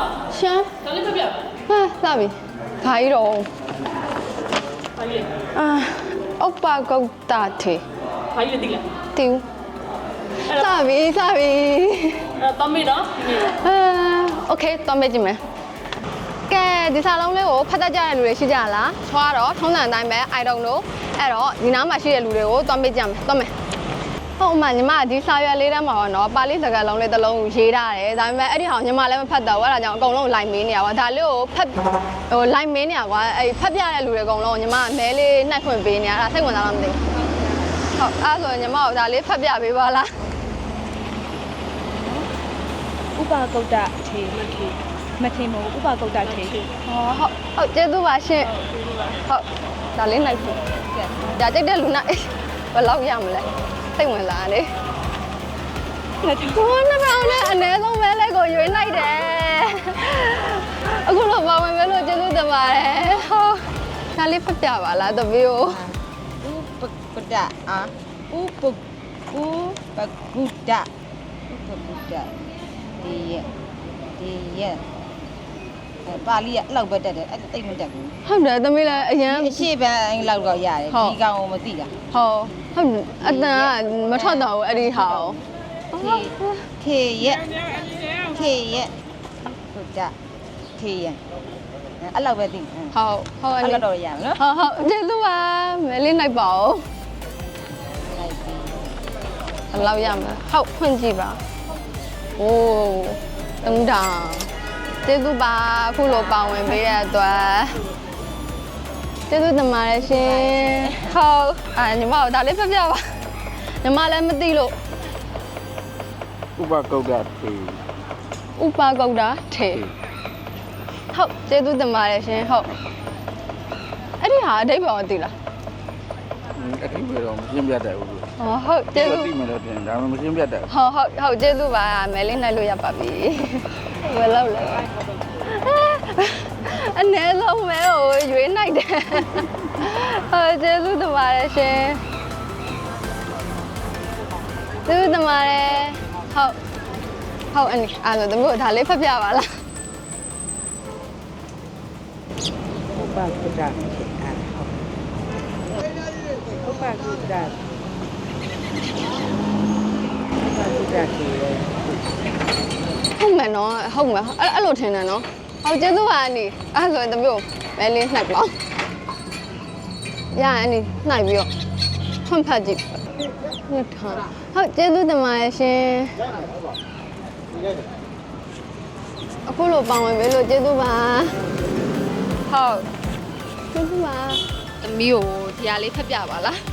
ရှမ်းဒါလေးဖက်ပြဟာလာပြီဘာကြီးတော့ဘာကြီးဥပဂုတ်တာထေဘာကြီးလဲတိလားတိဦးလာပြီတမ်းမေးနော်โอเคတမ်းမေးကြည့်မယ်ကဲဒီစာလုံးလေးကိုဖတ်တတ်ကြတဲ့လူတွေရှိကြလားချွားတော့ထုံးစံအတိုင်းပဲ I don't know အဲ့တော့ဒီနားမှာရှိတဲ့လူတွေကိုတမ်းမေးကြမယ်တမ်းမေးဟုတ်မှညီမဒီစာရွက်လေးတန်းမှာပေါ့နော်ပါဠိစကားလုံးလေးတစ်လုံးကိုရေးထားတယ်ဒါပေမဲ့အဲ့ဒီဟာညီမလည်းမဖတ်တော့ဘူးအဲ့ဒါကြောင့်အကုန်လုံးလိုက်မင်းနေရပါဒါလေးကိုဖတ်လိုက်မင်းနေရကွာအဲ့ဖတ်ပြတဲ့လူတွေအကုန်လုံးညီမမဲလေးနှိုက်ခွင့်ပေးနေရတာစိတ်ဝင်စားလားမသိဘူးဟုတ်အဲ့ဆိုညီမကိုဒါလေးဖတ်ပြပေးပါလားဥပဂုတ်တထေမထေမဟုတ်ဥပဂုတ်တထေဟုတ်ကျေးဇူးပါရှင်ဟုတ်ဒါလေးနှိုက်ဖို့ဒါကြိုက်တဲ့လူနာဘယ်လောက်ရမလဲစိတ်ဝင်စားလေကိုနှစ်ပေါင်းနဲ့အနည်းဆုံးပဲလဲကိုရွေးလိုက်တယ်အခုတော့ပါဝင်ပဲလို့ကျေးဇူးတင်ပါတယ်ဟုတ်ဒါလေးဖတ်ပြပါလားတပည့်ကိုဥပဂုတ်တဥပဂုတ်တဒီရဲ့ပါဠိကအဲ့လောက်ပဲတက်တယ်အဲ့တိတ်မတက်ဘူးဟုတ်တယ်သမီးလည်းအရင်အရှိပန်းအဲ့လောက်တော့ရတယ်ဒီကောင်ကိုမသိတာဟုတ်အတန်ကမထွက်တော့ဘူးအဲ့ဒီဟာခေရဲ့ဟုတ်ကြခေရဲ့အဲ့လောက်ပဲသိဟုတ်အဲ့လောက်တော့ရမယ်နော်ဟုတ်ကျေးဇူးပါမဲလေးနိုင်ပါဦးလိုက်ပြီအဲ့လောက်ရမယ်ဟုတ်ဖွင့်ကြည့်ပါโอ้တုံးတောင်ကျေးဇူးပါအခုလိုပါဝင်ပေးရတဲ့အတွက်ကျေးဇူးတင်ပါတယ်ရှင်ဟုတ်ညီမတို့ဒါလေးဖတ်ပြပါညီမလည်းမသိလို့ဥပဂုတ်တာထေဟုတ်ကျေးဇူးတင်ပါတယ်ရှင်ဟုတ်အဲ့ဒီဟာအဓိပ္ပာယ်သိလားအဓိပ္ပာယ်တော့မရှင်းပြတတ်ဘူးဟုတ်ကျေးဇူးသိမယ်လို့တင်ဒါမှမရှင်းပြတတ်ဟုတ်ကျေးဇူးပါမဲလေးနိုင်လို့ရပါပြီဝယ်လောက်လဲအနည်းဆုံးမဲကိုရွေးနိုင်တယ်ဟုတ်ကျေးဇူးတင်ပါတယ်ရှင်ကျေးဇူးတင်ပါတယ်ဟုတ်အဲ့ဒါသမီးတို့ဒါလေးဖတ်ပြပါလားဥပဂုတ်တဥပဂုတ်တထေဟုတ်မယ်နော်ဟုတ်မယ်အဲ့လိုထင်တယ်နော်ဟုတ်ကျေးဇူးပါအနီအဲ့ဆိုရင်သမီးတို့မဲလေးနှိုက်ပါရရင်အနီနှိုက်ပြီးတော့ဖွင့်ဖတ်ကြည့်နှစ်ထားဟုတ်ကျေးဇူးတင်ပါတယ်ရှင်အခုလိုပါဝင်ပေးလို့ကျေးဇူးပါဟုတ်ကျေးဇူးပါသမီးကိုဒီဟာလေးဖတ်ပြပါလား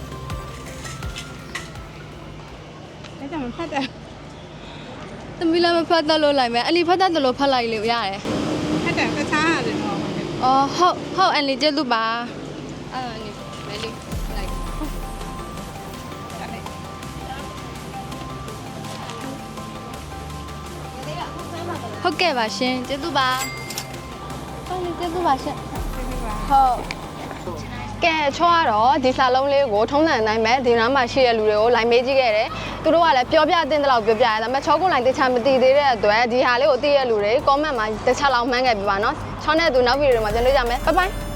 အဲ့ဒါမှဖတ်တယ်သမီးလည်းမဖတ်တတ်လို့လိုက်မယ်အလီဖတ်တတ်တယ်လို့ဖတ်လိုက်လို့ရတယ်ဖတ်တယ်တခြားရတယ်တော့ဟုတ်အန်လီကျေးဇူးပါအဲ့ဒါနေမဲလေးလိုက်ဟုတ်ကဲ့ပါရှင်ကျေးဇူးပါဟုတ်ကျေးဇူးပါရှင်ဟုတ်ကဲချောတော့ဒီစာလုံးလေးကိုထုံးစံအတိုင်းပဲဒီနားမှာရှိတဲ့လူတွေကိုလိုက်မေးကြည့်ခဲ့တယ်သူတို့ကလည်းပြောပြတဲ့လောက်ပြောပြရတယ်ဒါပေမဲ့ချောကုန်းလိုက်တခြားမသိသေးတဲ့အတွက်ဒီဟာလေးကိုသိရတဲ့လူတွေ comment မှာတခြားလောက်မှန်းခဲ့ပြပါနော်ချောင်းတဲ့သူနောက်ဗီဒီယိုတွေမှာပြန်တွေ့ကြမယ်ဘိုင်ဘိုင်